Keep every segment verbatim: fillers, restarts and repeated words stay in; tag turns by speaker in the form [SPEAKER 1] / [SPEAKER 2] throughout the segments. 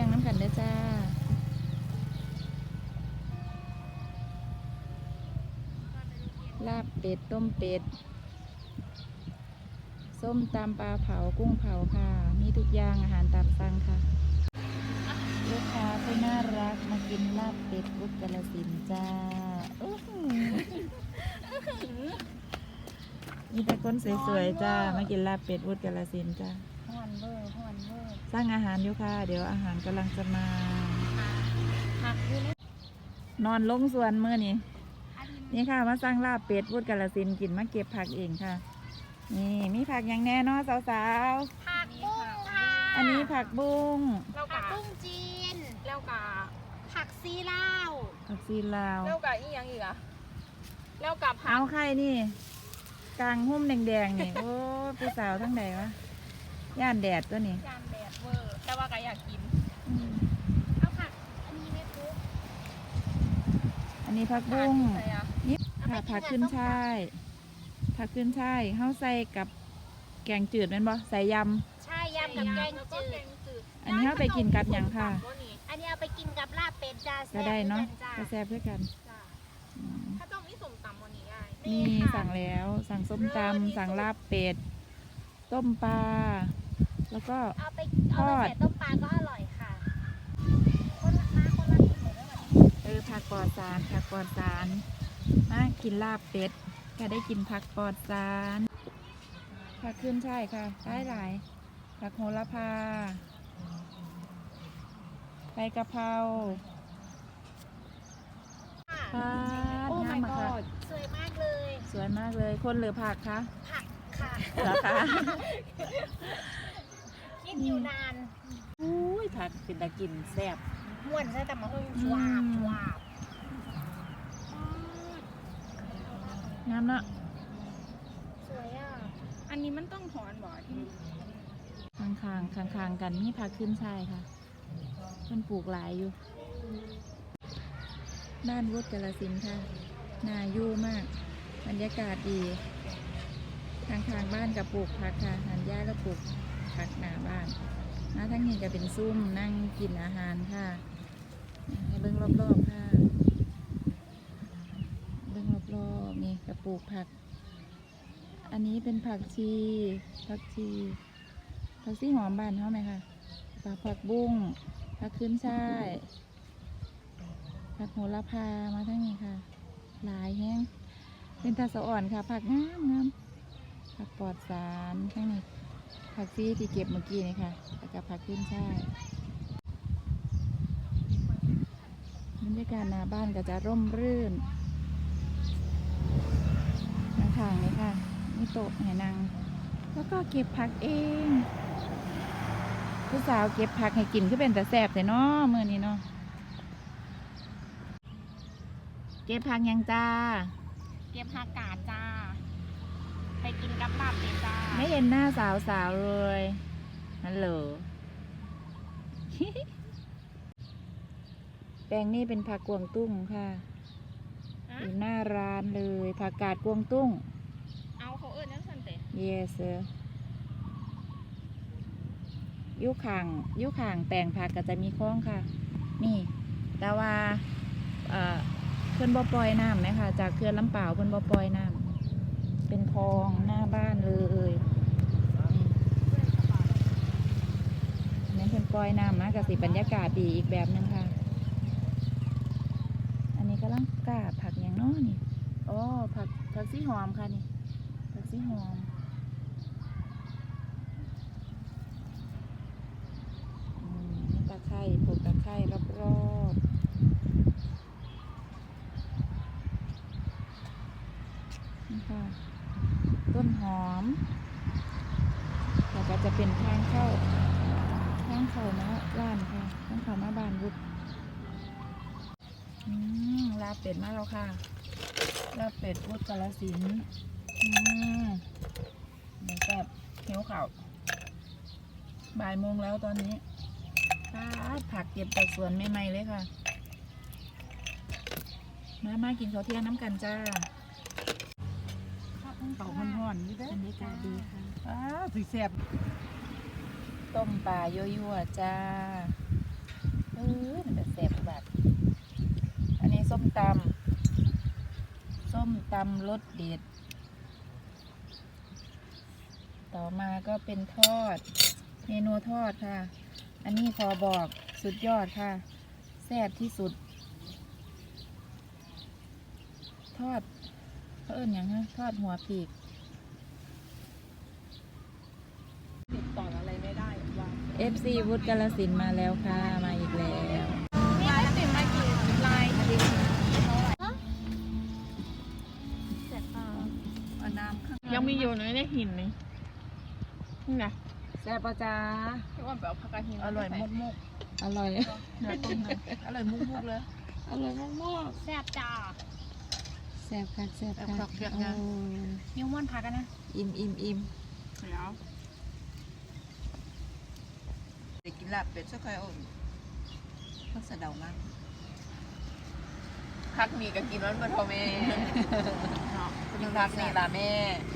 [SPEAKER 1] งน้ำกันเด้อจ้าลาบเป็ดต้มเป็ดส้มตำปลาเผากุ้งเผาค่ะมีทุกอย่างอาหารตามสั่งค่ะลูกค้าผู้น่ารักมากินลาบเป็ดกุ๊กกาฬสินธุ์จ้ามีแต่คนสวยๆจ้ามากินลาบเป็ดวุฒิกาฬสินธุ์จ้าฮ้อนเวอร์ฮ้อนเวอร์สร้างอาหารอยู่ค่ะเดี๋ยวอาหารกำลังจะมาผักอยู่นี่นอนลงสวนเมื่อนี้นี่ค่ะมาสร้างลาบเป็ดวุฒิกาฬสินธุ์กินมาเก็บผักเองค่ะนี่มีผักอย่างแน่นอนสาวๆ
[SPEAKER 2] ผักบุ้งค่ะ
[SPEAKER 1] อันนี้ผักบุ้ง
[SPEAKER 2] ผักบุ้งจีนแล้วก็ผักซีลาว
[SPEAKER 1] ผักซีลาว
[SPEAKER 2] แล้วก็อีกอย่างอีกอะแล้วกับ
[SPEAKER 1] เอาไข่นี่กลางหุ้มแดงๆนี่โอ้ผู้สาวทั้งไหนวะย่านแดดตัวนี้
[SPEAKER 2] ย่านแดดเวอร์แต่ว่าก็อยากกินเอาผักอันนี้ไม่ปุ๊บ
[SPEAKER 1] อันนี้ผักบุ้งนี่ค่ะผักขึ้นช่ายผักขึ้นช่ายเข้าใส่กับแกงจืดเป็นบ่ใส่ย
[SPEAKER 2] ำใช่ยำกับแกงจืด
[SPEAKER 1] อันนี้เอาไปกินกับอย่างค่ะ
[SPEAKER 2] อันนี้เอาไปกินกับลาบเป็ดจ้า
[SPEAKER 1] ก็ได้เนาะก็แซ่บเพื่อกัน
[SPEAKER 2] ถ้าต้องมีสมตำวันนี้ได้
[SPEAKER 1] มีสั่งแล้วสั่งส้มตำสั่งลาบเป็ดต้มปลาแล้วก็
[SPEAKER 2] เอาไปทอดต้มปลาก็อร่อยค่ะคนละมาคนละกินหมดแล้ว
[SPEAKER 1] เออผักปลอดสารผักปลอดสารมากินลาบเป็ดก็ได้กินผักปลอดสารผักขึ้นใช่ค่ะได้หลายผักโหระพาใบกะเพราค่ะงามมากค่ะ
[SPEAKER 2] สวยมากเลย
[SPEAKER 1] สวยมากเลยคนหรือผักคะ
[SPEAKER 2] ผักค่ะ
[SPEAKER 1] เหรอคะ
[SPEAKER 2] คิดอยู่นาน
[SPEAKER 1] อุ้ยผักเป็นตะกินแซ่บ
[SPEAKER 2] ม่วนใช่แต่มาหุ้มชวาบชวาบ
[SPEAKER 1] งามเนาะ
[SPEAKER 2] สวยอ่ะอันนี้มันต้องถอนบ่อที่
[SPEAKER 1] ข้างๆข้างๆกันมีผักขึ้นช่ายค่ะมันปลูกหลายอยู่บ้านวุฒิกาฬสินธุ์ค่ะน่าอยู่มากบรรยากาศดีทางทางบ้านกับปลูกผักค่ะหันหญ้าแล้วปลูกผักหน้าบ้านมาทั้งนี้ก็เป็นซุ้มนั่งกินอาหารค่ะให้เบิ้งรอบๆค่ะเบิ้งรอบๆนี่กับปลูกผักอันนี้เป็นผักชีผักชีผักชีหอมบานเขาไหมคะผักบุ้งผักขึ้นช่ายผักโหระพามาทั้งนี้ค่ะหลายแห้งเป็นตาสะอ่อนค่ะผักงามงามผักปลอดสารทั้งนี้ผักซีที่เก็บเมื่อกี้นี่ค่ะแล้วก็ผักขึ้นช่ายบรรยากาศหน้าบ้านก็จะร่มรื่นข้างๆนี่ค่ะมีโต๊ะให้นั่งแล้วก็เก็บผักเองผู้สาวเก็บผักให้กินก็เป็นแต่แซ่บแต่เนาะมื้อนี้เนาะเก็บผักยังจ้า
[SPEAKER 2] เก็บผักกาดจ้าไปกินกับลาบเป็ดจ้า
[SPEAKER 1] ไม่เห็นหน้าสาวสาวเลยฮัลโหล แปลงนี่เป็นผักกวางตุ้งค่ะอยู่หน้าร้านเลยผักกาดกวางตุ้ง
[SPEAKER 2] เอาเขาเอิ้นนั่นสันเตะ
[SPEAKER 1] yes sir ยุข่างยุข่างแปลงผักก็จะมีคลองค่ะนี่แต่ว่าเอ่อเพื่อนบ่อปล่อยน้ำไหมคะจากเขื่อนลำเปล่าเพื่อนบ่อปล่อยน้ำเป็นคลองหน้าบ้านเลยนี่เพื่อนปล่อยน้ำนะกับสิบรรยากาศดีอีกแบบนึงค่ะอันนี้กำลังกาดผักอย่างน้อนี่อ๋อผักผักซีหอมค่ะนี่ผักซีหอมนี่ตะไคร้ปลูกตะไคร้รอบๆต้นหอมแล้วก็จะเป็นทางเข้าทางเข้ามาบ้านค่ะทางเข้ามาบ้านวุฒิลาบเป็ดมาแล้วค่ะลาบเป็ดวุฒิกาฬสินธุ์เดี๋ยวแบบเขียวข่าวบ่ายโมงแล้วตอนนี้ผักเก็บจากสวนใหม่ๆเลยค่ะมามากินข้าวเที่ยงน้ำกันจ้าเป่าห่อนๆนี่ได้บรรยากาศดีค่ะอ้าสีแซ่บต้มปลายั่วๆจ้าอมันจะแซ่บแบบอันนี้ส้มตำส้มตำรสเด็ดต่อมาก็เป็นทอดเมนูทอดค่ะอันนี้ขอบอกสุดยอดค่ะแซ่บที่สุดทอดเขาเอิ้นหยังฮะทอดหัวปีก
[SPEAKER 3] ติดต่ออะไรไม่ได้วาง
[SPEAKER 1] เอฟ ซี วุฒิกาฬสินธุ์มาแล้วค่ะมาอีกแล้ว
[SPEAKER 2] นี่ไม่ติดมากี่ลายเสร็จป่ะ
[SPEAKER 1] เอาน้ำข้าง
[SPEAKER 3] ยังมีอยู่ในเนี่ยหินนี่นี่นะ
[SPEAKER 1] แซ่บปะจ้า
[SPEAKER 3] ที่ว่าแบบผักกาดหิน
[SPEAKER 1] อร่อยมุกมุกอร่อย
[SPEAKER 3] เนื้อต้มเลยอร่อยมุกมุกเลย
[SPEAKER 1] อร่อยมากมาก
[SPEAKER 2] แซ่บจ้า
[SPEAKER 1] แซ่บค่ะแซ่บ
[SPEAKER 3] แซ่บ
[SPEAKER 1] ค่ะ
[SPEAKER 3] คักแซ่บงาม
[SPEAKER 1] โอ้
[SPEAKER 2] นิ้วม้วนพักกันนะ
[SPEAKER 1] อิ่มอิ่มอิ่ม
[SPEAKER 3] เดี๋ยว
[SPEAKER 4] เด็กกินลาบเป็ดสักค่อยเอาพักสะเดามาก
[SPEAKER 3] พักมีก็กินมันบนโทแม่เนาะ
[SPEAKER 4] กินพักนี่ล่ะแม่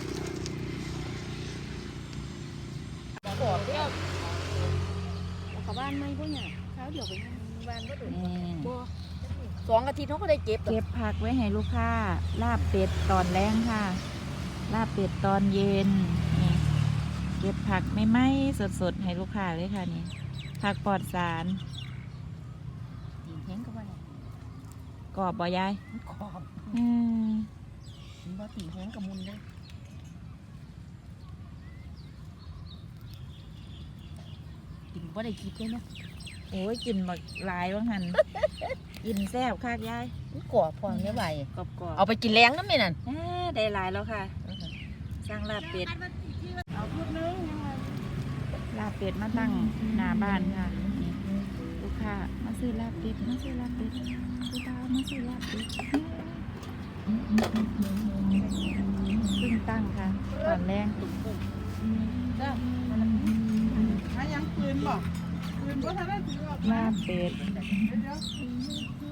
[SPEAKER 3] กรอบเดียว
[SPEAKER 2] เขาบ้านไม่พวกเนี่ยเช้าเดี๋ยวไปบ้านก็ถึง
[SPEAKER 1] นี่
[SPEAKER 3] สองอาทิตย์เขาก็ได้เก็บ
[SPEAKER 1] เก็บผักไว้ให้ลูกค้าลาบเป็ดตอนแรงค่ะ ลาบเป็ดตอนเย็นนี่เก็บผักไม่ไหม้สดๆให้ลูกค้าเลยค่ะนี่ผักปลอดสาร
[SPEAKER 4] กินแห้งก็ว่าเนี่ย
[SPEAKER 1] กรอบบ่ยาย
[SPEAKER 4] มันขอบ
[SPEAKER 1] อืม
[SPEAKER 4] มันบ่ตีแห้งกับมุนเลยกินบ่ได้คิดเลยนะ
[SPEAKER 1] โอ้ยกินบักหลายว่างหัน กินแซ่บคักยาย
[SPEAKER 4] มันกรอบพอไม่ไหว
[SPEAKER 1] กรอบกรอบ
[SPEAKER 4] เอาไปกินแรงน้ำนี่นั่น
[SPEAKER 1] ได้หลายแล้วค่ะ สร้างลาบเป็ด
[SPEAKER 2] เอาพูดนึงยังไง
[SPEAKER 1] ลาบเป็ดมาตั้งหน้าบ้านค่ะนี่ลูกค้ามาซื้อลาบเป็ดมาซื้อลาบเป็ดลูกค้ามาซื้อลาบเป็ดเพิ่งตั้งค่ะตอนแรงตุ่มปุ่ม
[SPEAKER 3] ถ้ายังปืนบอกปืนก็ทำได้ถือว่า
[SPEAKER 1] ลาบเป็ด
[SPEAKER 3] เดี๋ยว